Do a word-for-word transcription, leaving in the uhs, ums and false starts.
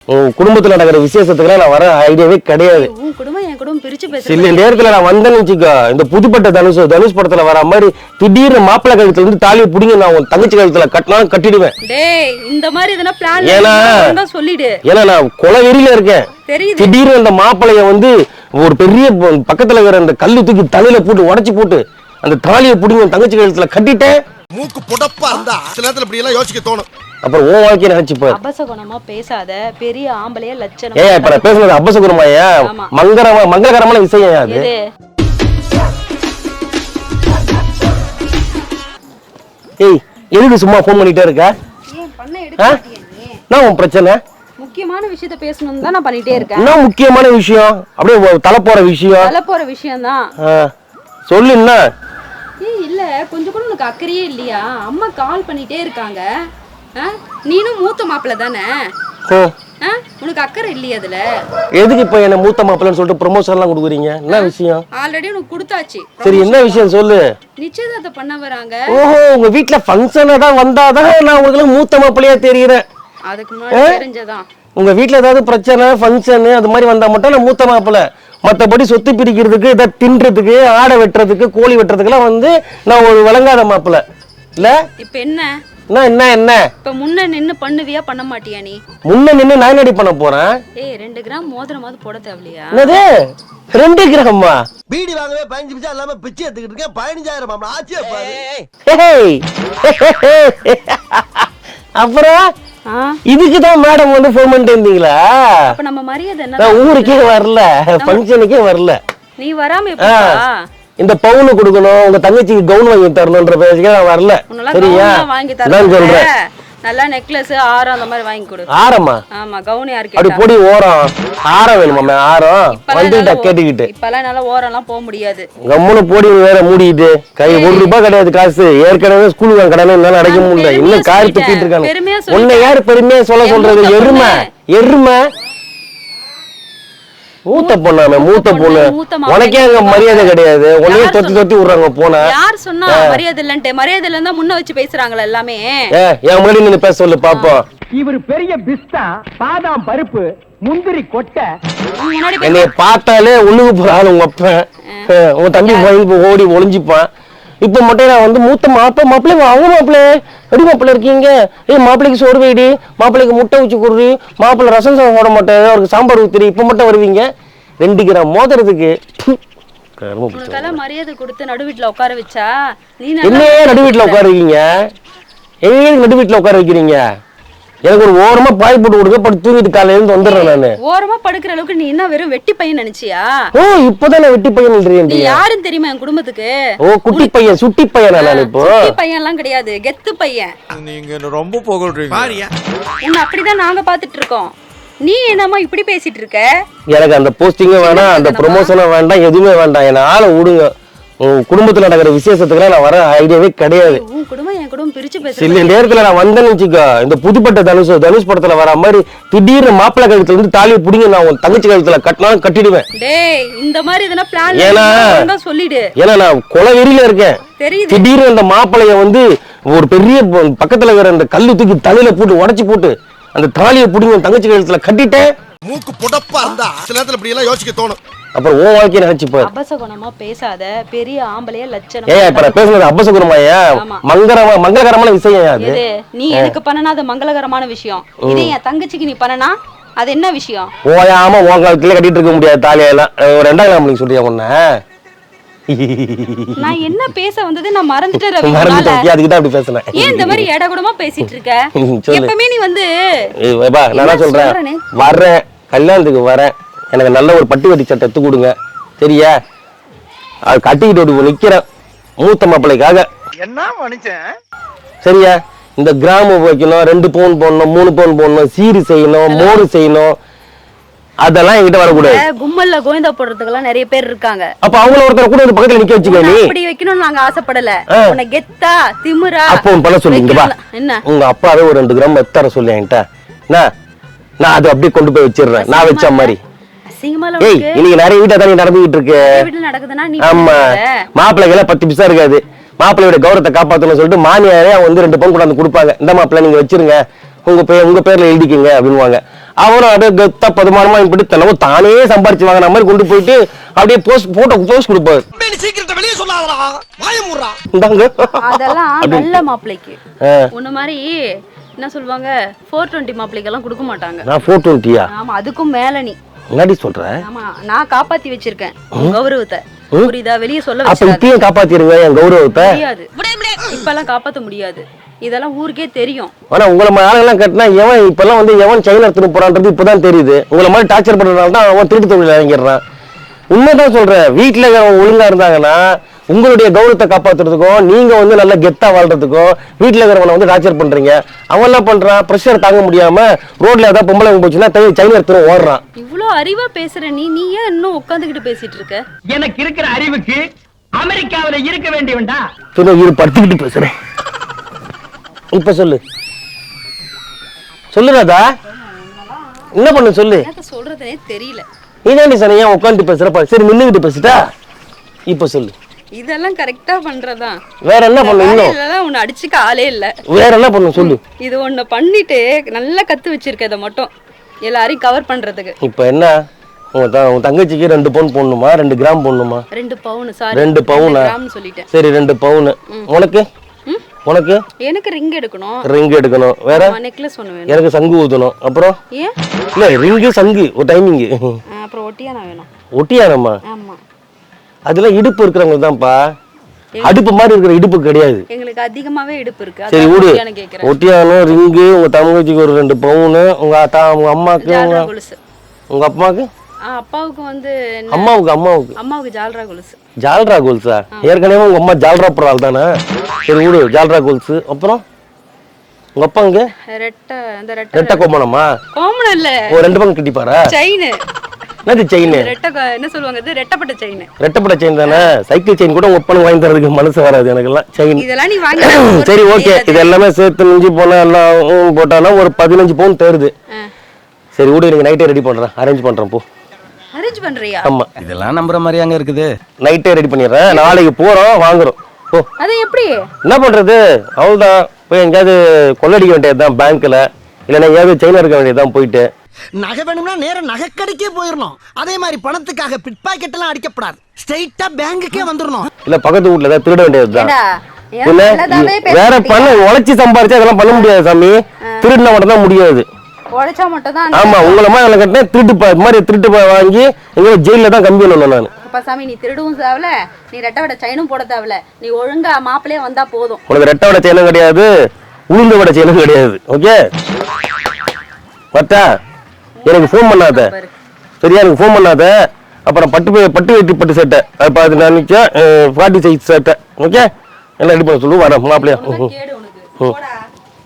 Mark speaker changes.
Speaker 1: குடும்பத்துல நடக்கிற விசேஷத்துக்குலாம் நான் வர ஐடியாவே கிடையாது.
Speaker 2: உன் குடும்பம் என் குடும்பம் பிரிச்சு பேசுற.
Speaker 1: இல்ல நேரத்துல நான் வந்தேன்னு வச்சுக்கோ, இந்த புதுப்பட்ட தனுஷ் தனுஷ் படத்துல வர மாதிரி திடீர்னு மாப்பிள்ளை கழுத்துல இருந்து தாலியை புடிங்க நான் உன் தங்கச்சி கழுத்துல கட்டினாலும் கட்டிடுவேன்.
Speaker 2: டேய் இந்த மாதிரி இதெல்லாம் பிளான்
Speaker 1: ஏன்னா
Speaker 2: சொல்லிடு.
Speaker 1: ஏன்னா நான் கொலை வெறியில இருக்கேன். திடீர்னு அந்த மாப்பிள்ளைய வந்து ஒரு பெரிய பக்கத்துல இருக்கிற அந்த கல்லு தூக்கி தலையில போட்டு உடைச்சு போட்டு அந்த தாலியை புடிங்க உன் தங்கச்சி கழுத்துல கட்டிட்டேன்.
Speaker 3: மூக்கு புடப்பா இருந்தா சில நேரத்துல இப்படி எல்லாம் யோசிக்க தோணும்.
Speaker 1: அப்புறம் உன் வாழ்க்கையை நினைச்சுப்பாரு.
Speaker 2: அபசகுணமா பேசாத, பெரிய ஆம்பளைய லட்சணம்.
Speaker 1: ஏய் இப்ப நான் பேசுறது அபசகுணமாயா மங்களகரமா மங்களகரமான விஷயம் அது. ஏய் எதுக்கு சும்மா ஃபோன் பண்ணிட்டே இருக்க?
Speaker 2: ஏன் பண்ண எடுக்க மாட்டியா நீ?
Speaker 1: நான் உன் பிரச்சனை
Speaker 2: முக்கியமான விஷயத்தை பேசணும் தான் நான் பண்ணிட்டே இருக்கேன்.
Speaker 1: என்ன முக்கியமான விஷயம்? அப்படியே தலை போற விஷயம்.
Speaker 2: தலை போற விஷயம் தான்.
Speaker 1: சொல்லு என்ன?
Speaker 2: ஏய் இல்ல கொஞ்சம் கூட உனக்கு அக்கறையே இல்லையா? அம்மா கால் பண்ணிட்டே இருக்காங்க. நீனும் மூத்த மாப்பிள்ள தானே? உனக்கு அக்கறை இல்லையா அதுல? எதுக்கு
Speaker 1: இப்ப என்ன மூத்த மாப்பிள்ளன்னு சொல்லிட்டு ப்ரமோஷன் எல்லாம் கொடுக்குறீங்க? என்ன விஷயம்?
Speaker 2: ஆல்ரெடி உனக்கு கொடுத்தாச்சு.
Speaker 1: சரி என்ன விஷயம் சொல்லு.
Speaker 2: நிச்சயதார்த்தம் பண்ண வராங்க.
Speaker 1: ஓஹோ உங்க வீட்ல ஃபங்க்ஷனா தான் வந்தாதான் நான் உங்களுக்கு மூத்த மாப்பிள்ளையா தெரியுறேன்.
Speaker 2: அதுக்கு முன்னாடி தெரிஞ்சதான்.
Speaker 1: உங்க வீட்ல ஏதாவது பிரச்சனை ஃபங்க்ஷன் அது மாதிரி வந்தா மட்டும் நான் மூத்த மாப்பிள்ளை. மத்தபடி சொத்து பிரிக்கிறதுக்கு இதை தின்றதுக்கு ஆடை வெட்டுறதுக்கு கோழி வெட்டுறதுக்குலாம் வந்து நான் ஒரு விளங்காத மாப்பிள்ளை இல்ல.
Speaker 2: இப்ப என்ன
Speaker 1: என்ன என்ன
Speaker 2: இப்ப முன்ன நின்னு பண்ணுவியா பண்ண மாட்டியா? நீ
Speaker 1: முன்ன நின்னு நான் என்னடி பண்ண போறேன்?
Speaker 2: ஏய் ரெண்டு கிராம் மோதிரமாவது போட தேவையா?
Speaker 1: என்னது ரெண்டு கிராமா?
Speaker 3: பீடி வாங்கவே பதினஞ்சு பைசா இல்லாம பிச்சை எடுத்துக்கிட்டு இருக்கேன். பதினஞ்சாயிரம் மாமா ஆச்சியா பாரு.
Speaker 1: அப்புறம் இதுக்குதான் மேடம் வந்து ஃபோன் பண்ணிட்டு இருந்தீங்களா?
Speaker 2: அப்ப நம்ம மரியாதை என்ன?
Speaker 1: நான் ஊருக்கே வரல, ஃபங்க்ஷனுக்கே வரல.
Speaker 2: நீ வராம எப்படா?
Speaker 1: இந்த பவுன் கொடுக்கணும், உங்க தங்கச்சிக்கு கவுன் வாங்கி தரணும்ன்ற பேச்சுக்கு நான் வரல. சரியா? நான் சொல்றேன்
Speaker 2: நல்லா நெக்லஸ் ஆரம் அந்த மாதிரி வாங்கி கொடு.
Speaker 1: ஆரமா?
Speaker 2: ஆமா கவுன் யாருக்கு?
Speaker 1: அப்படி போடி ஓரம் ஆரம் வேணுமாமே? ஆரம் வந்துட்டா கேட்டுக்கிட்டு
Speaker 2: இப்பெல்லாம் நல்லா ஓரம்லாம் போக முடியாது.
Speaker 1: கம்முன்னு போடி வேற மூடிட்டு கை ஒரு ரூபாய் கிடையாது காசு. ஏற்கனவே ஸ்கூலுக்கு கடனை என்னால அடைக்க முடியல. இன்னும் காரி துப்பிட்டு இருக்காங்க. உன்னை யாரு பெருமையா சொல்ல சொல்றது? எருமை எருமை மூத்த பொண்ணாமே மூத்த பொண்ணு. உனக்கே அங்க மரியாதை கிடையாது. உன்னையே தொத்தி தொத்தி விடுறாங்க. போன
Speaker 2: யார் சொன்னா மரியாதை இல்லன்ட்டு? மரியாதை இல்லன்னா முன்ன வச்சு பேசுறாங்களா எல்லாமே?
Speaker 1: ஏ என் முன்னாடி நீங்க பேச சொல்லு பாப்போம்.
Speaker 4: இவர் பெரிய பிஸ்தா பாதாம் பருப்பு முந்திரி கொட்டை.
Speaker 1: என்னைய பார்த்தாலே உள்ளுக்கு போறாள் உங்க அப்பன். உங்க தம்பி பயந்து ஓடி ஒளிஞ்சுப்பான். இப்ப மட்டும் நான் வந்து மூத்த மாப்பிள்ள மாப்பிள்ளை அவங்க மாப்பிள்ளை எப்படி மாப்பிள்ள இருக்கீங்க? ஏய் மாப்பிள்ளைக்கு சோறு வைடி, மாப்பிள்ளைக்கு முட்டை ஊச்சி கொடுறி, மாப்பிள்ளை ரசம் சாதம் போட மாட்டேன், அவருக்கு சாம்பார் ஊத்துறி, இப்ப மட்டும் வருவீங்க ரெண்டு கிராம் மோதிரத்துக்கு.
Speaker 2: மரியாதை கொடுத்து நடு வீட்டுல உட்கார வச்சா நீ
Speaker 1: என்னையே நடு வீட்டுல உட்கார வைக்கீங்க? எங்க நடு வீட்டுல உட்கார வைக்கிறீங்க? எனக்கு ஒரு ஓரமா பாய் போட்டு கொடுக்க படுத்து தூங்கிட்டு காலையில இருந்து வந்துடுறேன் நானு.
Speaker 2: ஓரமா படுக்கிற அளவுக்கு நீ என்ன வெறும் வெட்டி பையன் நினைச்சியா?
Speaker 1: ஓ இப்பதான் நான் வெட்டி பையன் நினைக்கிறேன்.
Speaker 2: நீ யாருன்னு தெரியுமா என் குடும்பத்துக்கு?
Speaker 1: ஓ குட்டி பையன் சுட்டி பையன் நான் இப்போ.
Speaker 2: சுட்டி பையன் எல்லாம் கிடையாது, கெத்து பையன்.
Speaker 3: நீங்க ரொம்ப புகழ்றீங்க பாரியா.
Speaker 2: உன்னை அப்படிதான் நாங்க பாத்துட்டு இருக்கோம். நீ என்னமா இப்படி பேசிட்டு இருக்க?
Speaker 1: எனக்கு அந்த போஸ்டிங்கும் வேண்டாம், அந்த ப்ரமோஷனும் வேண்டாம், எதுவுமே வேண்டாம். என்ன ஆளை விடுங்க. உங்க குடும்பத்துல நடக்கிற விசேஷத்துக்குலாம் நான் வர ஐடியாவே கிடையாது.
Speaker 2: உன் குடும்பம் என் குடும்பம் பிரிச்சு பேசுற.
Speaker 1: இல்ல நேரத்துல நான் வந்தேன்னு வச்சுக்கோ, இந்த புதுப்பட்ட தனுஷ் தனுஷ் படத்துல வர மாதிரி திடீர்னு மாப்பிள்ளை கழுத்துல இருந்து தாலியை புடிங்க நான் உன் தங்கச்சி கழுத்துல கட்டினாலும் கட்டிடுவேன்.
Speaker 2: டேய் இந்த மாதிரி இதனா பிளான் சொல்லிடு.
Speaker 1: ஏன்னா நான் கொலை வெறியில இருக்கேன். திடீர்னு அந்த மாப்பிள்ளைய வந்து ஒரு பெரிய பக்கத்துல இருக்கிற அந்த கல்லு தூக்கி தலையில போட்டு உடைச்சு போட்டு அந்த தாலியை புடிங்க உன் தங்கச்சி கழுத்துல கட்டிட்டேன்.
Speaker 3: மூக்கு புடப்பா இருந்தா சில நேரத்துல இப்படி எல்லாம் யோசிக்க தோணும்.
Speaker 1: அப்புறம் உன் வாழ்க்கையை நினைச்சுப்பாரு.
Speaker 2: அபசகுணமா பேசாத, பெரிய ஆம்பளைய லட்சணம்.
Speaker 1: ஏய் இப்ப நான் பேசுறது அபசகுணமாயா மங்களகரமா மங்களகரமான விஷயம் அது.
Speaker 2: நீ எனக்கு பண்ணனா அது மங்களகரமான விஷயம். இதே என் தங்கச்சிக்கு நீ பண்ணனா அது என்ன விஷயம்?
Speaker 1: ஓயாம உன் காலத்துல கட்டிட்டு இருக்க முடியாது தாலியெல்லாம். ஒரு ரெண்டாம் கிராம் நீங்க சொல்றியா உன்ன?
Speaker 2: நான் என்ன பேச வந்தது நான் மறந்துட்டேன் ரவி.
Speaker 1: மறந்துட்டேன். அதுக்கு தான் அப்படி பேசல.
Speaker 2: ஏன் இந்த மாதிரி ஏடா கூடமா பேசிட்டு இருக்க? எப்பவுமே நீ வந்து
Speaker 1: ஏய் நான் சொல்றேன் வரேன் கல்யாணத்துக்கு வரேன். எனக்கு நல்ல ஒரு பட்டு வட்டி சட்டை எடுத்து கொடுங்க. சரியா? அது கட்டிக்கிட்டு நிக்கிறேன் மூத்த மாப்பிள்ளைக்காக.
Speaker 4: என்ன மனுஷன்?
Speaker 1: சரியா? இந்த கிராமம் வைக்கணும், ரெண்டு பவுன் போடணும், மூணு பவுன் போடணும், சீரு செய்யணும், மோரு செய்யணும், அதெல்லாம் என்கிட்ட வரக்கூடாது.
Speaker 2: கும்மல்ல கோவிந்தா போடுறதுக்கெல்லாம் நிறைய பேர் இருக்காங்க.
Speaker 1: அப்ப அவங்கள ஒருத்தர் கூட பக்கத்துல நிக்க வச்சுக்க. நீ
Speaker 2: அப்படி வைக்கணும்னு நாங்க ஆசைப்படல. உன்னை கெத்தா திமிரா
Speaker 1: அப்போ பண்ண சொல்லுங்க. வா என்ன உங்க அப்பாவே ஒரு ரெண்டு கிராம் எத்தர சொல்லு என்கிட்ட. நான் அதை அப்படியே கொண்டு போய் வச்சிடுறேன். நான் வச்ச மாதிரி. ஏய் இன்னைக்கு நிறைய வீட்டை தானே நடந்துகிட்டு இருக்கு. ஆமா மாப்பிள்ளைகளை பத்து பிசா இருக்காது. மாப்பிள்ளையோட கௌரவத்தை காப்பாத்தணும்னு சொல்லிட்டு மாமியாரே வந்து ரெண்டு பவுன் கொண்டாந்து கொடுப்பாங்க. இந்த மாப்பிள்ளை நீங்க வச்சிருங்க, உங்க பேர் உங்க பேர்ல எழுதிக்கங்க அப்படின்வாங்க. அவனும் அப்படியே கெத்தா பதுமானமா இப்படி தெலவு தானே சம்பாரிச்சு வாங்கின மாதிரி கொண்டு போயிட்டு அப்படியே போஸ்ட் போட்டோ போஸ்ட் கொடுப்பாரு.
Speaker 3: வெளியே சொல்லாதடா வாய மூடுறா.
Speaker 1: இந்தாங்க.
Speaker 2: அதெல்லாம் நல்ல மாப்பிள்ளைக்கு. உன்ன மாதிரி என்ன சொல்லுவாங்க ஃபோர் டுவெண்ட்டி மாப்பிள்ளைக்கெல்லாம் கொடுக்க மாட்டாங்க.
Speaker 1: நான் ஃபோர் டுவெண்ட்டியா?
Speaker 2: ஆமா, அதுக்கும் மேல நீ
Speaker 1: முன்னாடி சொல்றேன்.
Speaker 2: ஆமா, நான் காப்பாத்தி வச்சிருக்கேன் கௌரவத்தை. புரியுதா? வெளியே சொல்ல
Speaker 1: அப்ப
Speaker 2: வச்சாத.
Speaker 1: இப்பயும் காப்பாத்திருங்க என் கௌரவத்தை.
Speaker 2: முடியாது, இப்பெல்லாம் காப்பாத்த முடியாது. இதெல்லாம் ஊருக்கே தெரியும்.
Speaker 1: ஆனா உங்களை மாதிரி ஆளுங்கெல்லாம் கட்டினா எவன் இப்பெல்லாம் வந்து எவன் சைனா எடுத்துட்டு போறான்றது இப்பதான் தெரியுது. உங்களை மாதிரி டார்ச்சர் பண்றதுனால தான் அவன் திருட்டு தொழில் இறங்கிடுறான். உண்மைதான் சொல்றேன். வீட்டுல ஒழுங்கா இருந்தாங்கன்னா உங்களுடைய கௌரவத்தை காப்பாத்துறதுக்கும் நீங்க வந்து நல்ல கெத்தா வாழ்றதுக்கும் வீட்டுல இருக்கிறவனை வந்து டார்ச்சர் பண்றீங்க. அவன் என்ன பண்றான்? பிரஷர் தாங்க முடியாம ரோட்ல ஏதாவது பொம்பளை போச்சுன்னா சைனா எடுத்துட்டு ஓடுறான்.
Speaker 2: இவ்வளவு அறிவா பேசுற நீ நீ ஏன் இன்னும் உட்காந்துக்கிட்டு பேசிட்டு இருக்க?
Speaker 4: எனக்கு இருக்கிற அறிவுக்கு அமெரிக்காவில இருக்க வேண்டியவன்டா.
Speaker 1: சரி, இரு படுத்துக்கிட்டு பேசுறேன். இப்ப சொல்லு சொல்லுறாதா என்ன பண்ணு சொல்லு.
Speaker 2: என்ன சொல்றதுனே தெரியல.
Speaker 1: நீதாண்டி சார் ஏன் உட்காந்து பேசுறப்ப? சரி நின்னுகிட்டு பேசிட்டா. இப்ப சொல்லு.
Speaker 2: இதெல்லாம் கரெக்டா பண்றதா?
Speaker 1: வேற என்ன பண்ணு? இன்னும்
Speaker 2: இதெல்லாம் உன்னை அடிச்சுக்க ஆளே இல்ல.
Speaker 1: வேற என்ன பண்ணு சொல்லு.
Speaker 2: இது ஒண்ணு பண்ணிட்டு நல்லா கத்து வச்சிருக்க. இதை மட்டும் எல்லாரையும் கவர் பண்றதுக்கு.
Speaker 1: இப்ப என்ன உங்க உங்க தங்கச்சிக்கு ரெண்டு பவுன் போடணுமா ரெண்டு கிராம் போடணுமா?
Speaker 2: ரெண்டு பவுன். சாரி,
Speaker 1: ரெண்டு பவுனா?
Speaker 2: சொல்லிட்டேன்.
Speaker 1: சரி ரெண்டு பவுன். உனக்கு உனக்கு
Speaker 2: எனக்கு ரிங் எடுக்கணும்.
Speaker 1: ரிங் எடுக்கணும். வேற
Speaker 2: நெக்லஸ் ஒண்ணு வேணும்.
Speaker 1: எனக்கு சங்கு ஊதணும். அப்புறம்
Speaker 2: ஏன்
Speaker 1: இல்ல ரிங்கு சங்கு ஒரு டைமிங்.
Speaker 2: அப்புறம் ஒட்டியானா வேணும்.
Speaker 1: ஒட்டியானம்மா?
Speaker 2: ஆமா,
Speaker 1: அதெல்லாம் இடுப்பு இருக்கிறவங்க தான்ப்பா. அடுப்பு மாதிரி இருக்கிற இடுப்பு கிடையாது.
Speaker 2: எங்களுக்கு அதிகமாவே இடுப்பு இருக்கு.
Speaker 1: சரி விடு.
Speaker 2: கேக்குறேன்.
Speaker 1: ஒட்டியானம் ரிங்கு உங்க தங்கச்சிக்கு ஒரு ரெண்டு பவுனு உங்க அத்தா உங்க அம்மாக்கு
Speaker 2: ஜால்ரா கொலுசு.
Speaker 1: உங்க அப்பாவுக்கு
Speaker 2: அப்பாவுக்கு வந்து
Speaker 1: அம்மாவுக்கு அம்மாவுக்கு
Speaker 2: அம்மாவுக்கு ஜால்ரா கொலுசு.
Speaker 1: ஜால்ரா கொலுசா? ஏற்கனவே உங்க அம்மா ஜால்ரா போற ஆள் தானே. சரி விடு ஜால்ரா கொலுசு. அப்புறம் உங்க அப்பா இங்க
Speaker 2: ரெட்டை அந்த ரெட்டை
Speaker 1: ரெட்டை கோமணமா?
Speaker 2: கோமணம் இல்ல,
Speaker 1: ஒரு ரெண்டு பங்கு கட்டிப்பாரா?
Speaker 2: செயின்.
Speaker 1: என்னது செயின்?
Speaker 2: ரெட்டை என்ன சொல்லுவாங்க? இது ரெட்டப்பட்ட செயின்.
Speaker 1: ரெட்டப்பட்ட செயின் தானே. சைக்கிள் செயின் கூட உங்க அப்பனுக்கு வாங்கி தரதுக்கு மனசு வராது எனக்கெல்லாம். செயின்
Speaker 2: இதெல்லாம் நீ வாங்கி.
Speaker 1: சரி ஓகே, இது எல்லாமே சேர்த்து மிஞ்சி போனா எல்லாம் போட்டானா ஒரு பதினஞ்சு பவுன் தேருது. சரி விடு, நீங்க நைட்டே ரெடி பண்றேன், அரேஞ்ச் பண்றேன். போ
Speaker 2: அரேஞ்ச் பண்றியா?
Speaker 1: ஆமா,
Speaker 3: இதெல்லாம் நம்புற மாதிரி அங்க இருக்குது.
Speaker 1: நைட்டே ரெடி பண்ணிடுறேன். நாளைக்கு போறோம் வாங்குறோம். ஓ
Speaker 2: அது எப்படி?
Speaker 1: என்ன பண்றது? அவ்வளவுதான். போய் எங்கேயாவது கொள்ளடிக்க வேண்டியதுதான் பேங்க்ல, இல்லைன்னா எங்கேயாவது செயினா இருக்க வேண்டியதுதான். போயிட்டு
Speaker 3: நகை வேணும்னா நேரம் நகைக்கடைக்கே போயிடணும். அதே மாதிரி பணத்துக்காக பிட் பாக்கெட் எல்லாம் அடிக்கப்படாது. ஸ்ட்ரைட்டா பேங்குக்கே வந்துடணும். இல்ல
Speaker 1: பக்கத்து வீட்டுல ஏதாவது திருட வேண்டியதுதான். வேற பண்ண உழைச்சி சம்பாரிச்சு அதெல்லாம் பண்ண முடியாது சாமி. திருடினா மட்டும் தான் முடியாது.
Speaker 2: உழைச்சா மட்டும் தான்.
Speaker 1: ஆமா, உங்களை மாதிரி அதில் கட்டினா திருட்டு மாதிரி திருட்டு வாங்கி எங்க ஜெயில தான் கம்பி பண்ணணும் நான்.
Speaker 2: அப்பா சாமி, நீ திருடவும் தேவல, நீ ரெட்டை வடை செயினும் போட தேவல. நீ ஒழுங்கா மாப்பிளையே வந்தா போதும்.
Speaker 1: உனக்கு ரெட்டை வடை செயினும் கிடையாது, உளுந்து வடை செயினும் கிடையாது. ஓகே பட்டா, எனக்கு ஃபோன் பண்ணாத சரியா? எனக்கு ஃபோன் பண்ணாத. அப்புறம் பட்டு பட்டு வெட்டி பட்டு சட்டை அது பார்த்து நான் நிற்க ஃபார்ட்டி சைஸ் சட்டை. ஓகே எல்லாம் ரெடி பண்ண சொல்லு. வரேன் மாப்பிள்ளையா.